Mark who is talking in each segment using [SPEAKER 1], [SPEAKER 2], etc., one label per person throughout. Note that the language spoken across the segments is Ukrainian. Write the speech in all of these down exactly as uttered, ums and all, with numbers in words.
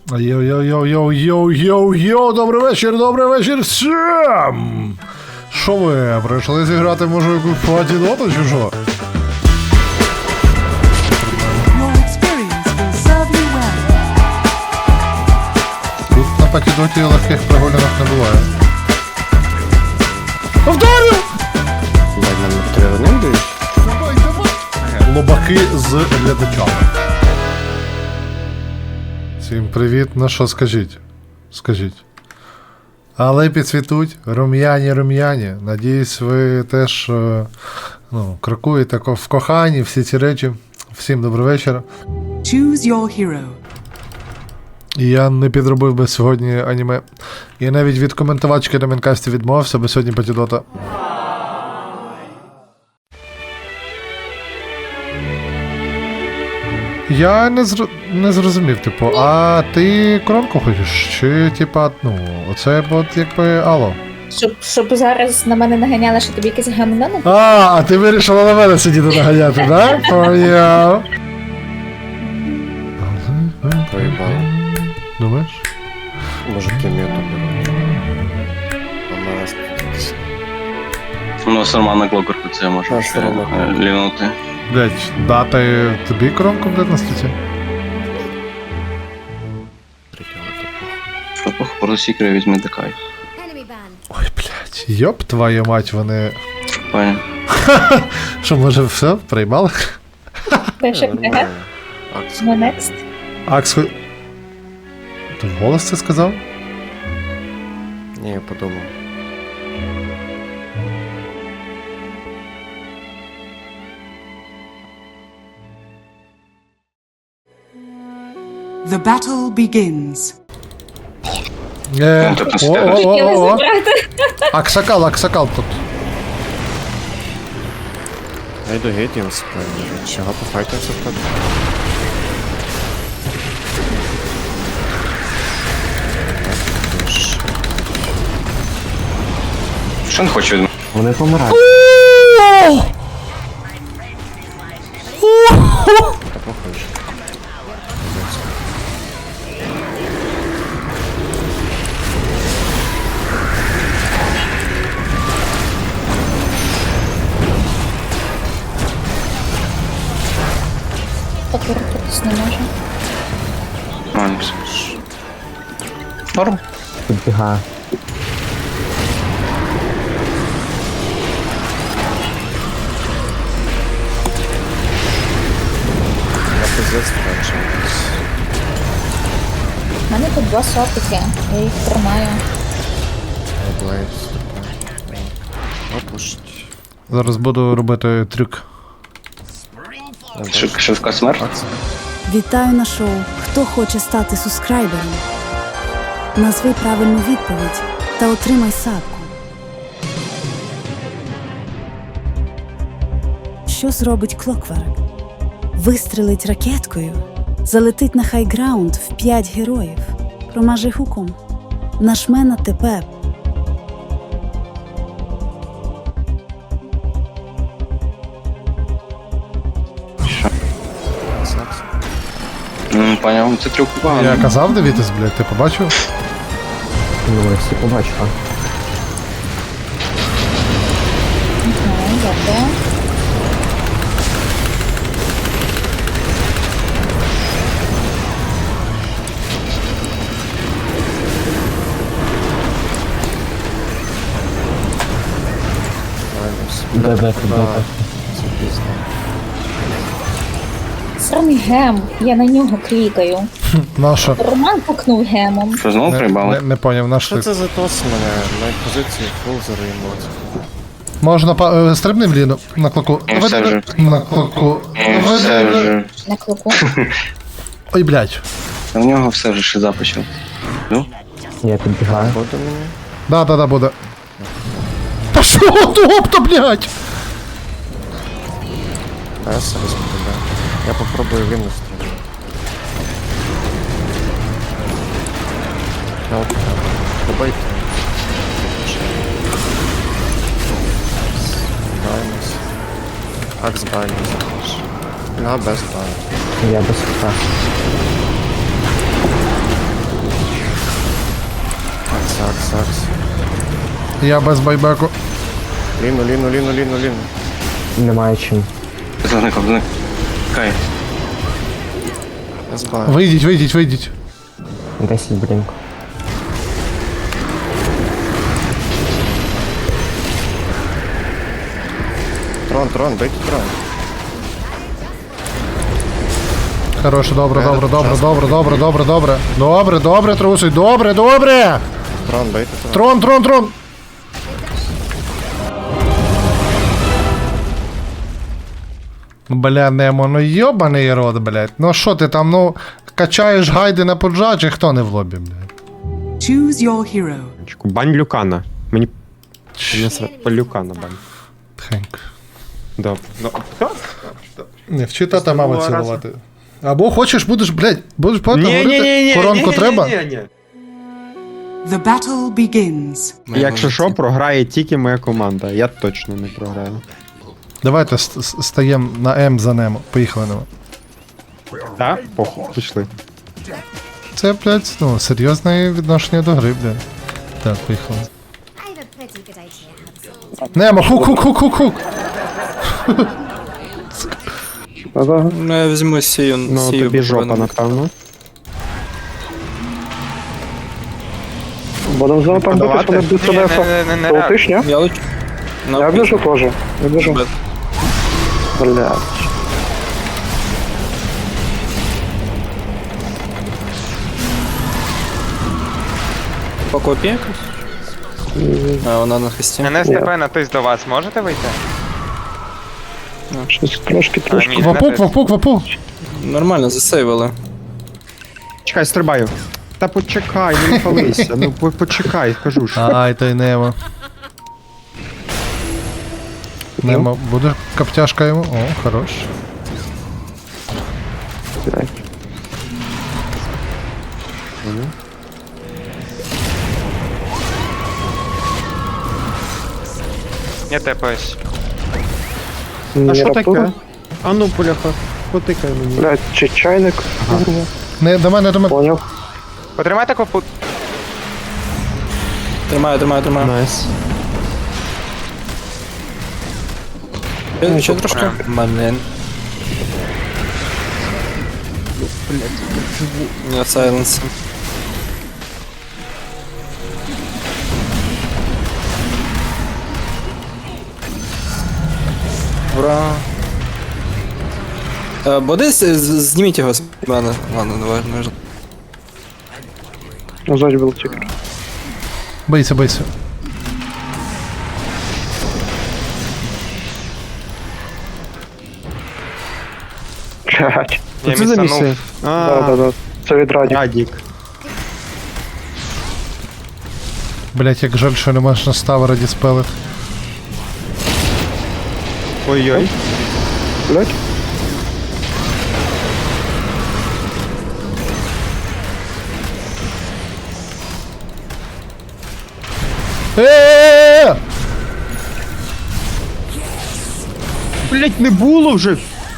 [SPEAKER 1] Йоу-йоу-йоу-йоу-йоу-йоу, добрий вечір, добрий вечір всім! Що ви, прийшли зіграти, може, якусь патідоту чи що? Тут на патідоті легких прогулянок не буває. Повторю! Лобаки з глядачами. Всім привіт, ну що, скажіть? Скажіть. Але підсвітуть, рум'яні-рум'яні. Надіюсь, ви теж е, ну, крокуєте в коханні, всі ці речі. Всім добрий вечір.
[SPEAKER 2] Choose your hero.
[SPEAKER 1] І я не підробив би сьогодні аніме. І навіть від коментувачки на Мінкасті відмовився, бо сьогодні патідота. Я не, зр... не зрозумів, типу, а ти коронку хочеш? Чи, типа, ну, оце от якби алло?
[SPEAKER 3] Щоб, щоб зараз на мене наганяли, що тобі якесь гамно не...
[SPEAKER 1] А, а ти вирішила на мене сидіти наганяти, да? Поняв.
[SPEAKER 4] Проїбало.
[SPEAKER 1] Думаєш?
[SPEAKER 4] Може кім'яту беруть. А на нас тут.
[SPEAKER 5] У нас нормальна клокерка, це може
[SPEAKER 4] А,
[SPEAKER 5] ще
[SPEAKER 4] нормальна
[SPEAKER 5] е,
[SPEAKER 4] клокерка.
[SPEAKER 5] лівнути.
[SPEAKER 1] Блять, дати тобі коронку буде на статті?
[SPEAKER 5] Що похоже, сікри візьми декай.
[SPEAKER 1] Ой, блять, йоп твою мать, вони...
[SPEAKER 5] Пані.
[SPEAKER 1] Що, може, все, приймали?
[SPEAKER 3] Пише ПГ,
[SPEAKER 4] Акція.
[SPEAKER 3] no next.
[SPEAKER 1] Акс... хо- Ти вголос це сказав?
[SPEAKER 4] Ні, я подумав.
[SPEAKER 2] The battle begins.
[SPEAKER 1] Е,
[SPEAKER 5] Ну, тобто
[SPEAKER 1] о,
[SPEAKER 5] стерео.
[SPEAKER 1] о,
[SPEAKER 3] Хотіли
[SPEAKER 1] о, о.
[SPEAKER 3] забрати.
[SPEAKER 1] Аксакал, аксакал тут.
[SPEAKER 4] Я йду геть їм спину. Чого пофайтимся в тебе?
[SPEAKER 5] Що не хоче від мене?
[SPEAKER 4] Вони помирають. Та похоже.
[SPEAKER 3] Покрутитись не може.
[SPEAKER 5] Нормально все. Норм.
[SPEAKER 6] Підбігає.
[SPEAKER 4] Я пиздець раніше.
[SPEAKER 3] У мене тут два сопики, я їх тримаю.
[SPEAKER 4] Блейд. Опушить.
[SPEAKER 1] Зараз буду робити трюк.
[SPEAKER 5] Шив- Шивка смерть.
[SPEAKER 4] Акція.
[SPEAKER 7] Вітаю на шоу «Хто хоче стати субскрайбером?» Назви правильну відповідь та отримай садку. Що зробить Клокверк? Вистрелить ракеткою? Залетить на хайграунд в п'ять героїв? Промаже гуком? Нажме на ТП.
[SPEAKER 5] М, Поняв, це трюк
[SPEAKER 1] Я
[SPEAKER 5] поганий.
[SPEAKER 1] казав дивитись, блядь, ти побачив?
[SPEAKER 6] Ну, я всі побачив, а?
[SPEAKER 3] Ага, дякую.
[SPEAKER 6] Де, де, де, де?
[SPEAKER 4] Це пізно.
[SPEAKER 3] Сраний гем, я на нього клікаю.
[SPEAKER 1] Наша.
[SPEAKER 3] Роман пукнув гемом.
[SPEAKER 5] Що знову
[SPEAKER 1] Не,
[SPEAKER 5] приїбали?
[SPEAKER 1] не, не поняв, наш
[SPEAKER 4] Що
[SPEAKER 1] ти.
[SPEAKER 4] це за тос мене? На позиції фул заруйнувати.
[SPEAKER 1] Можна па... е, стрибни в ліну на клоку.
[SPEAKER 5] Ну, все вже.
[SPEAKER 1] На клоку.
[SPEAKER 5] Ні, все вже.
[SPEAKER 3] На клику.
[SPEAKER 1] Ой, блядь.
[SPEAKER 5] У нього все вже шиза почав. Ну?
[SPEAKER 6] Я підбігаю.
[SPEAKER 4] Буде мені?
[SPEAKER 1] Да, да, да, буде. Та що, топта, блядь?
[SPEAKER 4] Та я себе сподобаю. Я попробую вину стріляти. Я от добийте. Даймось. Акс даймось також. На без даймось.
[SPEAKER 6] Я без хіта.
[SPEAKER 4] Сакс, сакс.
[SPEAKER 1] Я без байбеку.
[SPEAKER 4] Ліну, ліну, ліну, ліну, ліну.
[SPEAKER 6] Немає чим.
[SPEAKER 5] Зникав, зник. Кай.
[SPEAKER 4] Я збаю.
[SPEAKER 1] Вийдіть, вийдіть, вийдіть.
[SPEAKER 6] десять блінк.
[SPEAKER 4] Трон, трон, бейте трон.
[SPEAKER 1] Хороше, добре,
[SPEAKER 4] Е,
[SPEAKER 1] добре, добре,
[SPEAKER 4] час.
[SPEAKER 1] добре, добре, добре, добре. Добре, добре, трусить, добре, добре!
[SPEAKER 4] Трон, бейте трон.
[SPEAKER 1] Трон, трон, трон! Бля, Немо, ну йобаний рот, блядь. Ну що ти там, ну, качаєш гайди на поджаджі, хто не в лобі, блядь?
[SPEAKER 2] Choose your hero.
[SPEAKER 8] Бань Люкана. Мені не сра... по Люкана бань.
[SPEAKER 1] Тихенько.
[SPEAKER 8] Добре. Ну,
[SPEAKER 1] Не вчи тата маму
[SPEAKER 8] Цілувала разом.
[SPEAKER 1] цілувати. Або хочеш, будеш, блядь, будеш багато
[SPEAKER 8] ні, ні, ні,
[SPEAKER 1] говорити,
[SPEAKER 8] ні,
[SPEAKER 1] коронку
[SPEAKER 8] ні,
[SPEAKER 1] треба?
[SPEAKER 8] Ні, ні, ні.
[SPEAKER 2] The battle begins.
[SPEAKER 8] Якщо що, програє тільки моя команда. Я точно не програю.
[SPEAKER 1] Давайте ст- ст- стаємо на М за Немо. Поїхали Немо.
[SPEAKER 8] Так? Похуй, пішли.
[SPEAKER 1] Це, блядь, ну, серйозне відношення до гри, блядь. Так, поїхали.
[SPEAKER 9] I have a pretty good idea how this
[SPEAKER 1] Немо, хук, хук, хук, хук, хук.
[SPEAKER 10] Ну, я візьму сію.
[SPEAKER 8] Ну,
[SPEAKER 10] сію
[SPEAKER 8] тобі жопа,
[SPEAKER 10] буквально.
[SPEAKER 8] напевно.
[SPEAKER 11] Будемо знову там битись, вони будуть себе полтиш, ні?
[SPEAKER 10] Я лучу. Ну,
[SPEAKER 11] Я біжу теж. Я біжу.
[SPEAKER 10] Бет.
[SPEAKER 11] Блядь.
[SPEAKER 10] по копі якось? А, вона на хресті.
[SPEAKER 12] Мене СТП натись до вас, можете вийти?
[SPEAKER 11] Щось трошки,
[SPEAKER 12] А,
[SPEAKER 11] трошки.
[SPEAKER 12] ні,
[SPEAKER 1] Вапук,
[SPEAKER 12] натис.
[SPEAKER 1] вапук, вапук.
[SPEAKER 10] Нормально, засейвили.
[SPEAKER 8] Чекай, стрибаю. Та почекай, не палися. Ну, по- почекай, кажу ж.
[SPEAKER 1] Ай, той Немо. Немо, буде коптяшка йому? О, хорош.
[SPEAKER 12] Я тепаюсь.
[SPEAKER 8] А що таке? А ну, поляха, потикай мені.
[SPEAKER 11] Блядь, чи чайник? Курва.
[SPEAKER 1] Не, до мене, до мене.
[SPEAKER 11] Поняв.
[SPEAKER 12] Потримайте копут.
[SPEAKER 10] Тримаю, тримаю, тримаю.
[SPEAKER 8] Найс.
[SPEAKER 10] Ще, ще трошки. Блін. Я сайленс. Ура. Е, Бодис, з- зніміть його з мене. Ладно, давай, не важно.
[SPEAKER 11] Назад був тікер.
[SPEAKER 1] Бийся, бийся.
[SPEAKER 11] Блядь.
[SPEAKER 12] Я
[SPEAKER 8] Це за
[SPEAKER 12] місанув.
[SPEAKER 8] місце?
[SPEAKER 11] Да,
[SPEAKER 8] А,
[SPEAKER 11] да, да. Це від Раді.
[SPEAKER 8] Радік.
[SPEAKER 1] Блять, як жаль, що не можна став раді спелит.
[SPEAKER 8] Ой-ой.
[SPEAKER 11] Блядь.
[SPEAKER 1] Е-е-е!
[SPEAKER 8] Блять, не було вже.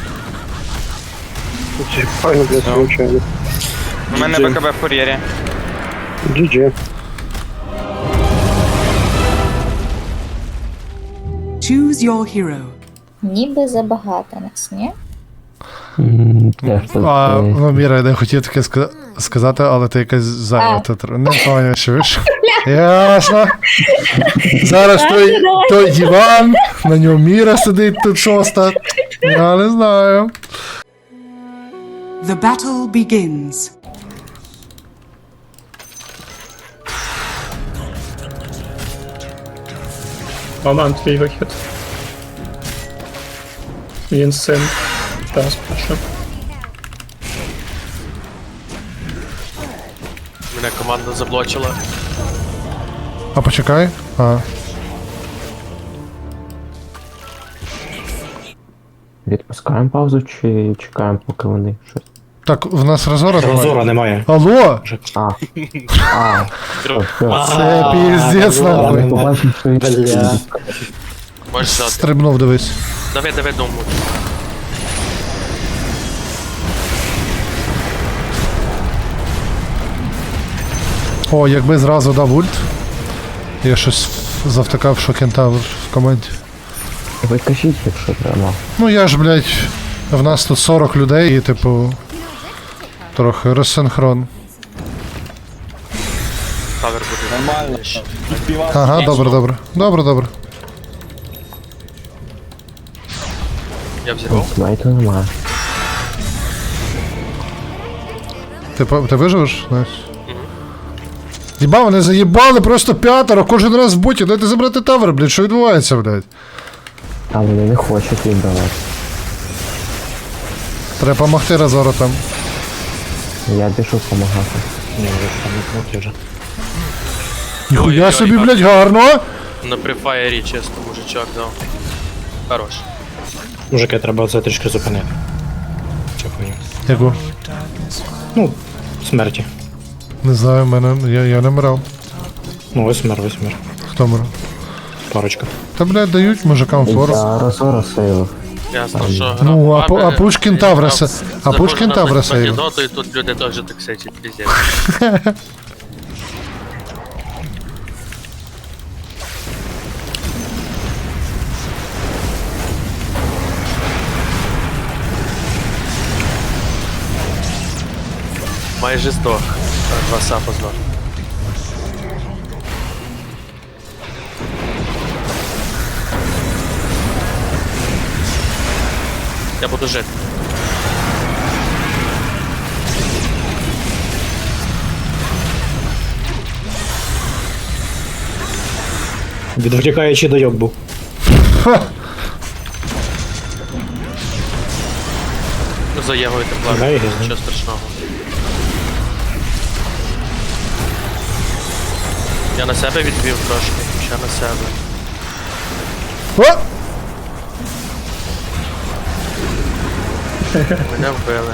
[SPEAKER 11] Це файно, блядь, звичайно.
[SPEAKER 12] У мене БКБ в кур'єрі.
[SPEAKER 11] джі джі.
[SPEAKER 2] Choose your hero.
[SPEAKER 3] Ніби забагато нас, ні?
[SPEAKER 6] М, Теж тут.
[SPEAKER 1] А,
[SPEAKER 6] е,
[SPEAKER 1] ну, Міра, я не хотів таке ска- сказати, але ти якась зайнята. тр- Не поняв, що ви ж. Ясно. Зараз той, той диван, на ньому Міра сидить тут шоста. Я не знаю.
[SPEAKER 2] The battle begins.
[SPEAKER 11] Маман, твій вихід. Він син. Зараз пишу.
[SPEAKER 12] Мене команда заблочила.
[SPEAKER 1] А почекай. А.
[SPEAKER 6] Відпускаємо паузу чи чекаємо, поки вони щось.
[SPEAKER 1] Так, в нас розора немає.
[SPEAKER 11] немає.
[SPEAKER 1] Алло!
[SPEAKER 6] А. А. Все, все.
[SPEAKER 1] Це піздець
[SPEAKER 6] Я
[SPEAKER 1] нахуй.
[SPEAKER 6] не побачив, що він
[SPEAKER 8] Бля.
[SPEAKER 12] Можеш здати.
[SPEAKER 1] Стрибнув, дивись.
[SPEAKER 12] Давай, давай дому.
[SPEAKER 1] О, якби зразу дав ульт. Я щось завтикав, що кентавр в команді.
[SPEAKER 6] Ви кажіть, якщо треба.
[SPEAKER 1] Ну я ж, блядь, в нас тут сорок людей і, типу, трохи розсинхрон.
[SPEAKER 12] Тавер буде.
[SPEAKER 10] Нормально.
[SPEAKER 1] Ага, добре, добре. Добре, добре.
[SPEAKER 12] Я взірвав.
[SPEAKER 6] Смайту немає.
[SPEAKER 1] Ти, по- ти виживеш? Найс. Єба, вони заїбали просто п'ятеро, кожен раз в боті. Дайте забрати тавер, блядь, що відбувається, блядь?
[SPEAKER 6] А вони не хочуть віддавати.
[SPEAKER 1] Треба помогти розворотам.
[SPEAKER 6] Я біжу допомагати.
[SPEAKER 1] Ніхуя
[SPEAKER 12] Ой-ой-ой,
[SPEAKER 1] собі,
[SPEAKER 12] як.
[SPEAKER 1] блядь, гарно.
[SPEAKER 12] На префаєрі, чесно, мужичок дав. Хорош.
[SPEAKER 11] Мужики, треба це трішки зупинити. Цю хуйню.
[SPEAKER 1] Яку?
[SPEAKER 11] Ну, смерті.
[SPEAKER 1] Не знаю, мене, я, я не мрав.
[SPEAKER 11] Ну, ось мер, ось мер.
[SPEAKER 1] Хто мрав?
[SPEAKER 11] Парочка.
[SPEAKER 1] Та, блядь, дають мужикам форс.
[SPEAKER 6] Я Розора сейвив.
[SPEAKER 12] Ясно, що
[SPEAKER 1] Ну, а,
[SPEAKER 12] грав
[SPEAKER 1] Пу- а
[SPEAKER 12] баби,
[SPEAKER 1] Пушкін
[SPEAKER 12] і
[SPEAKER 1] Тавра
[SPEAKER 12] грав-
[SPEAKER 1] се- а
[SPEAKER 12] заходжу
[SPEAKER 1] Пушкін
[SPEAKER 12] на
[SPEAKER 1] Тавра
[SPEAKER 12] Македону,
[SPEAKER 1] сейвив.
[SPEAKER 12] і тут люди теж так сечуть, піздець. Майже здох. А, Два сапа здох. Я буду жити.
[SPEAKER 11] Відвтікаючи дойок був.
[SPEAKER 12] За Єгою тепла.
[SPEAKER 11] Знаю, я знаю.
[SPEAKER 12] Нічого страшного. Я на себе відвів трошки. Ще на себе.
[SPEAKER 1] О!
[SPEAKER 12] Мене вбили.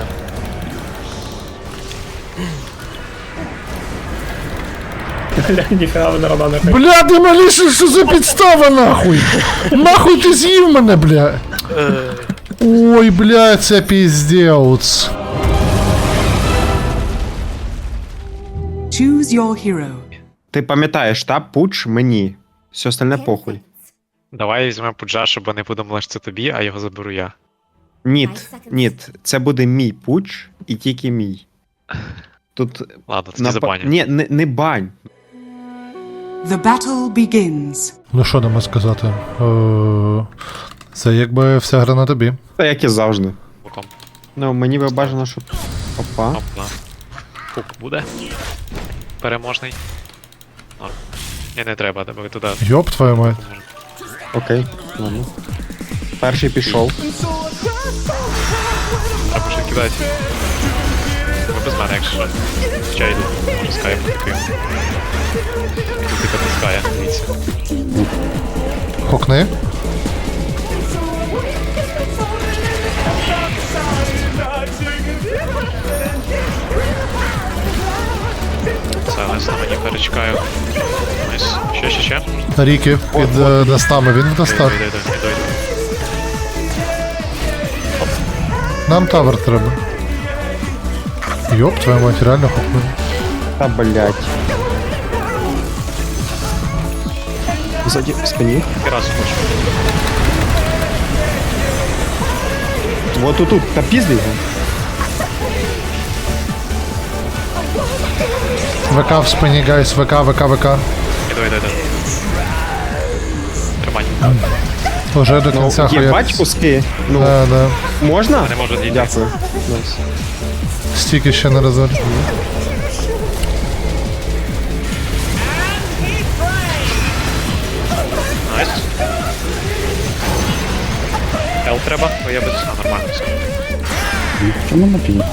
[SPEAKER 11] Бля, ніхера ви на не
[SPEAKER 1] Бля, ти маліше, що за підстава, нахуй? Нахуй ти з'їв мене, бля? Ой, бля, це піздець.
[SPEAKER 2] Choose your hero.
[SPEAKER 8] Ти пам'ятаєш, та пуч мені. Все остальне похуй.
[SPEAKER 10] Давай візьмемо пуджа, щоб вони подумали, що це тобі, а його заберу я.
[SPEAKER 8] Ніт, ніт, це буде мій пуч і тільки мій. Тут
[SPEAKER 10] Ладно, це
[SPEAKER 8] напа-
[SPEAKER 10] не забаню.
[SPEAKER 8] Ні, не, не бань.
[SPEAKER 2] The battle begins.
[SPEAKER 1] Ну що нам сказати? Е, Це якби вся гра на тобі.
[SPEAKER 8] Та як і завжди.
[SPEAKER 10] Боком.
[SPEAKER 8] Ну, мені би бажано, щоб. Опа.
[SPEAKER 10] Опа. Хук буде. Переможний. Норм. Ні, не треба, тебе туди.
[SPEAKER 1] Йоп, твою мать.
[SPEAKER 8] Окей. Ладно. Перший пішов.
[SPEAKER 10] Треба ще кидати. Ви без мене, якщо що. Хоча йду. Може скайп такий. І тут типа тискає, дивіться.
[SPEAKER 1] Хокни.
[SPEAKER 10] Сайленс на мені перечекаю. Найс. Ще, ще, ще.
[SPEAKER 1] Ріки під е, дастами, він в дастах.
[SPEAKER 10] Йду, йду, йду, йду.
[SPEAKER 1] Нам тавер треба. Йоп, твою мать, реально хокни.
[SPEAKER 8] Та блять. Ззаді в спині.
[SPEAKER 10] І раз хочу.
[SPEAKER 8] Вот тут, тут, та пізди його.
[SPEAKER 1] ВК в спині, гайс, ВК, ВК, ВК.
[SPEAKER 10] Іду, йду, йду. Тримай.
[SPEAKER 1] Уже до
[SPEAKER 8] Ну,
[SPEAKER 1] кінця
[SPEAKER 8] є
[SPEAKER 1] хуя.
[SPEAKER 8] бать куски. Ну,
[SPEAKER 1] Да, да.
[SPEAKER 8] можна?
[SPEAKER 10] Не можу зійти.
[SPEAKER 8] Дякую. Найс.
[SPEAKER 1] Стільки ще не розор.
[SPEAKER 10] Найс. Ел треба, бо я без... А, нормально все.
[SPEAKER 6] Чому на пі?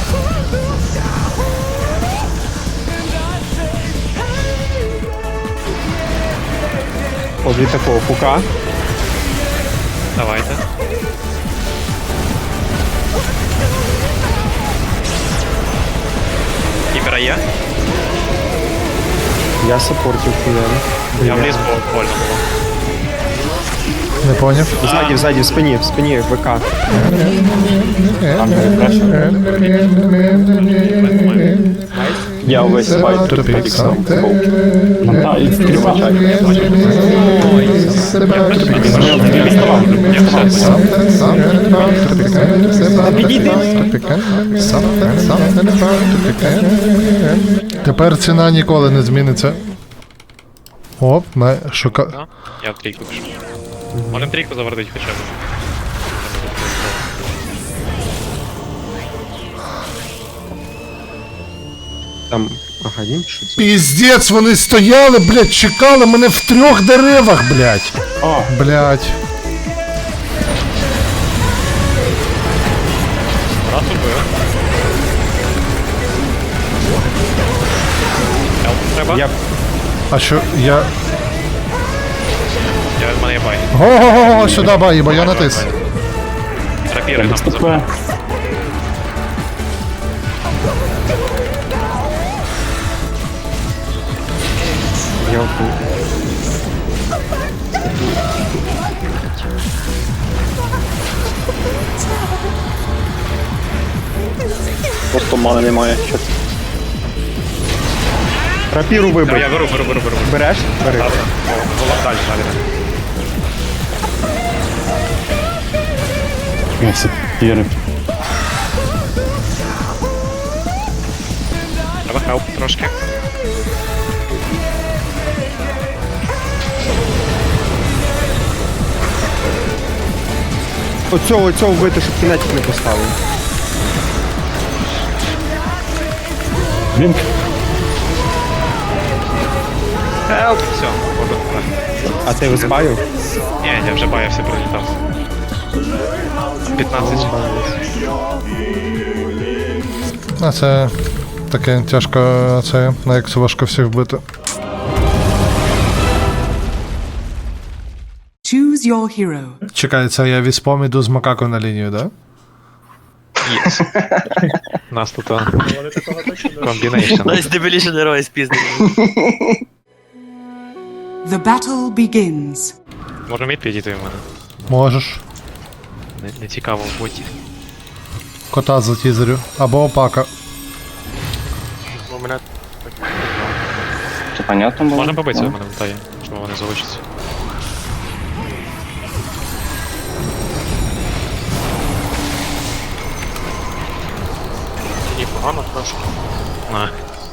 [SPEAKER 8] От від такого хука.
[SPEAKER 10] Давайте. Кібера є?
[SPEAKER 8] Я саппортів хуяли.
[SPEAKER 10] Я вліз, бо больно було.
[SPEAKER 1] Не поняв.
[SPEAKER 8] Ззаді, ззаді, в спині, в спині, ВК.
[SPEAKER 1] Я увесь файт Тепер ціна ніколи не зміниться. Оп, на шука.
[SPEAKER 10] Да? Я в трійку пишу. Можем трійку завердить хоча б.
[SPEAKER 8] Там Агадім, що це?
[SPEAKER 1] Піздець, вони стояли, блядь, чекали мене в трьох деревах, блядь. Блядь.
[SPEAKER 10] Раз убив. Хелп треба?
[SPEAKER 8] Я
[SPEAKER 1] А що, я...
[SPEAKER 10] Я в мене є бай.
[SPEAKER 1] Го-го-го, сюди бай, бо я натис.
[SPEAKER 10] Рапіри нам позабив.
[SPEAKER 8] я
[SPEAKER 11] Просто мани немає.
[SPEAKER 8] рапіру
[SPEAKER 10] Я
[SPEAKER 8] вибив.
[SPEAKER 10] беру, беру, беру, беру.
[SPEAKER 8] Береш? Бери.
[SPEAKER 10] Далі, далі.
[SPEAKER 11] Я всі піри.
[SPEAKER 10] Треба хелп трошки.
[SPEAKER 8] Оцього, оцього вбити, щоб кінетик не поставив.
[SPEAKER 11] Блінк.
[SPEAKER 10] Хелп! Все, воду.
[SPEAKER 8] А ти збавив?
[SPEAKER 10] Ні, я вже баявся, пролітав. п'ятнадцять.
[SPEAKER 1] А це таке тяжко, це на ексу важко всіх вбити.
[SPEAKER 2] Choose your hero.
[SPEAKER 1] Чекай, це я віспом іду з макако на лінію, да?
[SPEAKER 10] Єс. У нас тут комбінейшн.
[SPEAKER 12] Найстабіліший герой спізний.
[SPEAKER 2] The battle begins.
[SPEAKER 10] Може мід підійти в мене?
[SPEAKER 1] Можеш.
[SPEAKER 10] Не, не цікаво в боті.
[SPEAKER 1] Кота затізерю. Або опака.
[SPEAKER 12] У мене
[SPEAKER 5] Це понятно було?
[SPEAKER 10] Можна побитися,
[SPEAKER 5] Ну.
[SPEAKER 10] в мене летає, чому вони залишаться.
[SPEAKER 12] мені погано трошки.
[SPEAKER 10] На.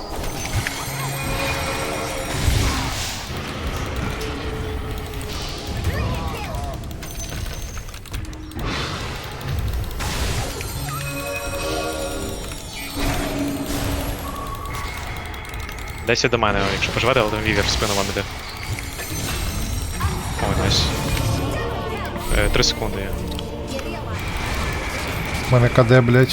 [SPEAKER 10] Десь до мене, якщо поживете, але там вівер в спину вам іде. Ой, найс. Е, Три секунди є.
[SPEAKER 1] У мене КД, блядь.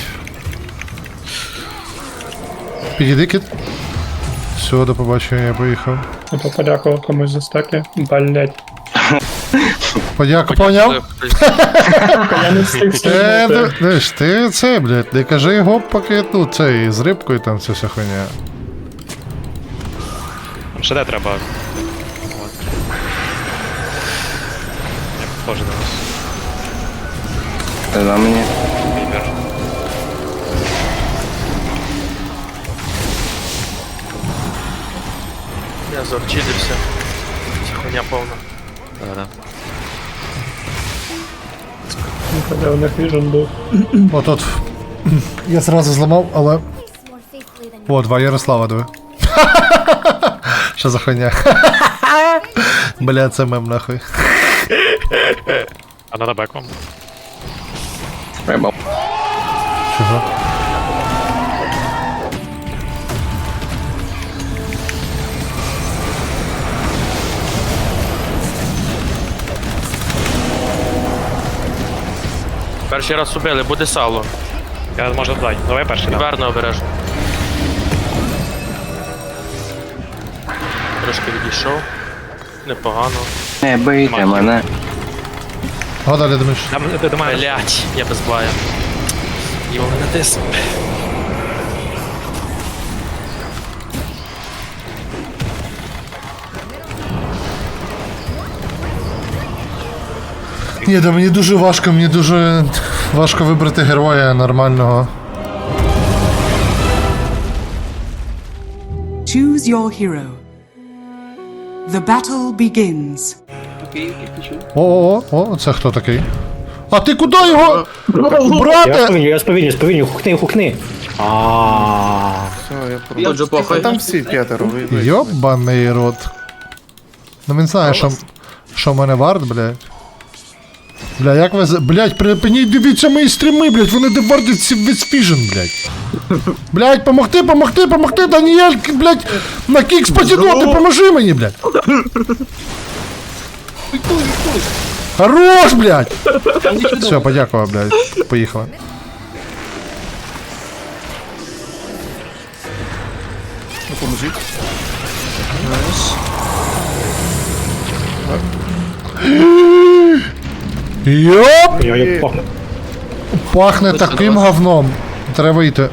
[SPEAKER 1] Підійди, кіт. Все, до побачення, я поїхав.
[SPEAKER 11] То подякував комусь за стеки. Блять.
[SPEAKER 1] Подяку, поняв?
[SPEAKER 11] Я не встиг
[SPEAKER 1] Е, ну, знаєш, ти це, блядь, не кажи його, поки тут цей з рибкою там ця вся хуйня.
[SPEAKER 10] Ще де треба. От. Я похожий на вас.
[SPEAKER 5] За мені.
[SPEAKER 10] Вівер.
[SPEAKER 12] Я заорчидився. Ця хуйня повна.
[SPEAKER 10] Да-да.
[SPEAKER 11] Де у них віжен був.
[SPEAKER 1] Отут. Я зразу зламав, але.
[SPEAKER 9] More faithfully than
[SPEAKER 1] О, два Ярослава, диви. Що за хуйня? Бля, це мем нахуй.
[SPEAKER 10] А надо бек вам?
[SPEAKER 5] Треба.
[SPEAKER 1] Чого?
[SPEAKER 12] Перший раз убили, буде сало.
[SPEAKER 10] Я можу додати. Давай перший дам.
[SPEAKER 12] Верно обережно. Трошки відійшов. Непогано.
[SPEAKER 5] Не бийте мене.
[SPEAKER 1] О, далі думаєш.
[SPEAKER 10] Там до- до мене.
[SPEAKER 12] Блять, я без бая. Його не натис.
[SPEAKER 1] Ні, да мені дуже важко, мені дуже важко вибрати героя нормального.
[SPEAKER 2] Choose your hero. The battle begins.
[SPEAKER 1] О, о, о, це хто такий? А ти куди його?
[SPEAKER 11] Я
[SPEAKER 1] Брате!
[SPEAKER 11] сповільню, я сповільню, сповільню, хукни, хукни. А.
[SPEAKER 4] Все, я просто...
[SPEAKER 12] Отже, похуй.
[SPEAKER 4] Там всі п'ятеро, ви... ви-
[SPEAKER 1] Йобаний рот. Ну він знає, що, що в мене вард, блядь. Бля, як ви... за- Блядь, припиніть, дивіться мої стріми, блядь, вони девардять всі весь фіжен, блядь. Блядь, помогти, помогти, помогти, Даніель, блядь, на кікс потягнути, поможи мені, блядь. Хорош, блядь! Все, подякував, блядь, поїхали.
[SPEAKER 4] Допоможіть.
[SPEAKER 1] Йоп!
[SPEAKER 11] Я як пахне.
[SPEAKER 1] Пахне таким говном. Треба йти.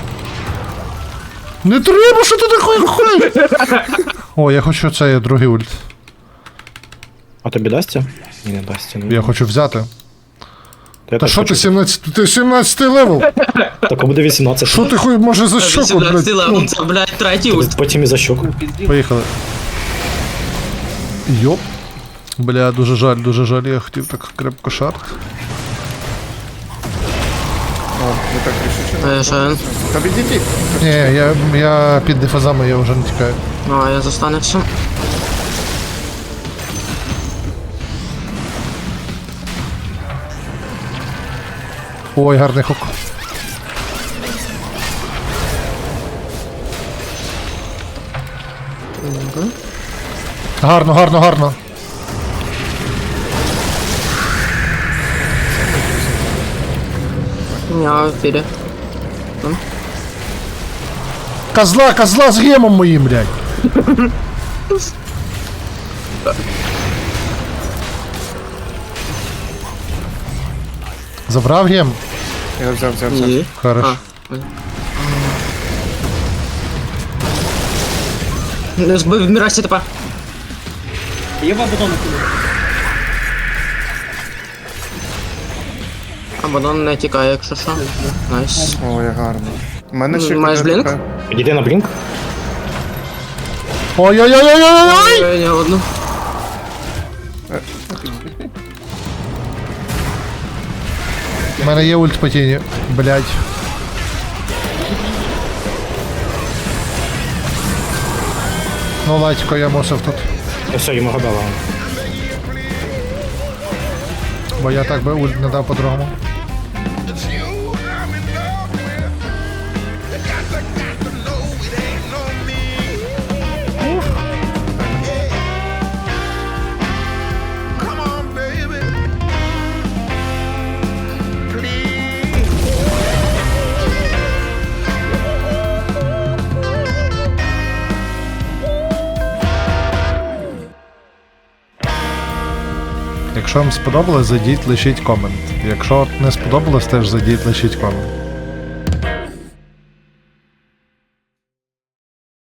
[SPEAKER 1] Не треба, що ти такий ходиш? О, я хочу цей другий ульт.
[SPEAKER 11] А тобі дасться? Ні, не дасться. Ну.
[SPEAKER 1] Я хочу взяти.
[SPEAKER 11] Я
[SPEAKER 1] Та
[SPEAKER 11] теж
[SPEAKER 1] що ти
[SPEAKER 11] хочу.
[SPEAKER 1] сімнадцять? Ти сімнадцять левел?
[SPEAKER 11] Так буде вісімнадцять.
[SPEAKER 1] Що ти хуй може за щоку, блядь?
[SPEAKER 12] Ну, це, блядь, третій ульт.
[SPEAKER 11] Потім і за щоку.
[SPEAKER 1] Поїхали. Йоп. Бля, дуже жаль, дуже жаль, я хотів так крепко шарт.
[SPEAKER 4] О, ви так рішуче.
[SPEAKER 12] Е, що він?
[SPEAKER 4] Та відійдіть.
[SPEAKER 1] Ні, я, я під дефазами, я вже не тікаю.
[SPEAKER 12] Ну, а я застанешся.
[SPEAKER 1] Ой, гарний хук. Гарно, гарно, гарно.
[SPEAKER 12] Я в ефірі.
[SPEAKER 1] Козла, козла з гемом моїм, блядь. Забрав гем?
[SPEAKER 4] Я взяв, взяв, взяв.
[SPEAKER 12] Ні.
[SPEAKER 1] Хорош.
[SPEAKER 12] Не збив Мірасі тепер. Абадон не тікає, якщо що. Найс.
[SPEAKER 4] Ой, гарно. У мене ще...
[SPEAKER 12] Маєш
[SPEAKER 4] куди
[SPEAKER 12] блінк?
[SPEAKER 4] така-
[SPEAKER 11] Підійди на блінк.
[SPEAKER 1] Ой-ой-ой-ой-ой-ой!
[SPEAKER 12] Ой, не одну.
[SPEAKER 1] У мене є ульт по тіні. Блядь. Ну, латько, я мусив тут.
[SPEAKER 11] Я все, йому гадала.
[SPEAKER 1] Бо я так би ульт не дав по-другому. Якщо вам сподобалось, зайдіть, лишіть комент. Якщо не сподобалось, теж зайдіть, лишіть комент.